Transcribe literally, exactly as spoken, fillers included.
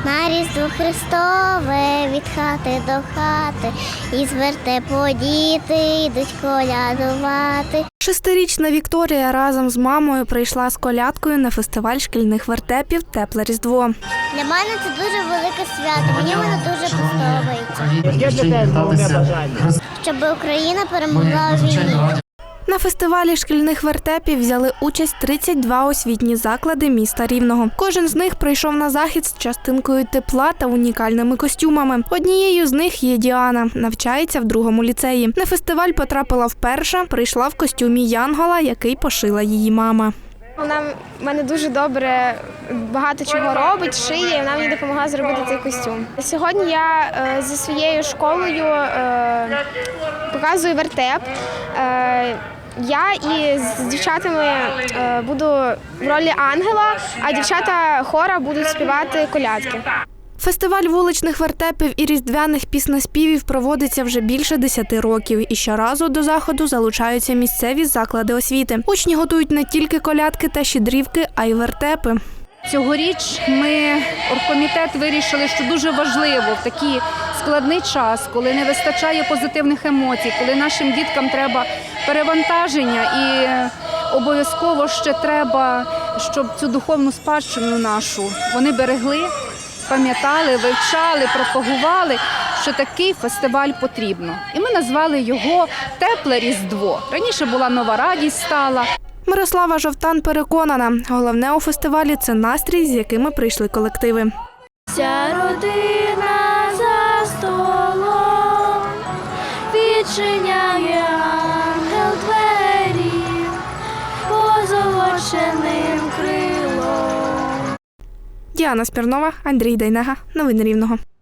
На Різдво Христове від хати до хати, і з вертепу діти йдуть колядувати. Шестирічна Вікторія разом з мамою прийшла з колядкою на фестиваль шкільних вертепів «Тепле Різдво». Для мене це дуже велике свято, мені воно дуже подобається. Яке для тебе головне бажання? Щоб Україна перемогла у війні. На фестивалі шкільних вертепів взяли участь тридцять два освітні заклади міста Рівного. Кожен з них прийшов на захід з частинкою тепла та унікальними костюмами. Однією з них є Діана, навчається в другому ліцеї. На фестиваль потрапила вперше, прийшла в костюмі янгола, який пошила її мама. Вона в мене дуже добре багато чого робить, шиє, і вона мені допомогла зробити цей костюм. Сьогодні я е, зі своєю школою е, показую вертеп. Е, я і з дівчатами е, буду в ролі ангела, а дівчата хора будуть співати колядки. Фестиваль вуличних вертепів і різдвяних піснеспівів проводиться вже більше десяти років. І щоразу до заходу залучаються місцеві заклади освіти. Учні готують не тільки колядки та щедрівки, а й вертепи. Цьогоріч ми, оргкомітет, вирішили, що дуже важливо в такий складний час, коли не вистачає позитивних емоцій, коли нашим діткам треба перевантаження і обов'язково ще треба, щоб цю духовну спадщину нашу вони берегли, пам'ятали, вивчали, пропагували, що такий фестиваль потрібно. І ми назвали його «Тепле Різдво». Раніше була «Нова радість» стала. Мирослава Жовтан переконана, головне у фестивалі – це настрій, з якими прийшли колективи. Вся родина за столом відчиняє ангел двері позолоченим крилом. Діана Спірнова, Андрій Дейнега. Новини Рівного.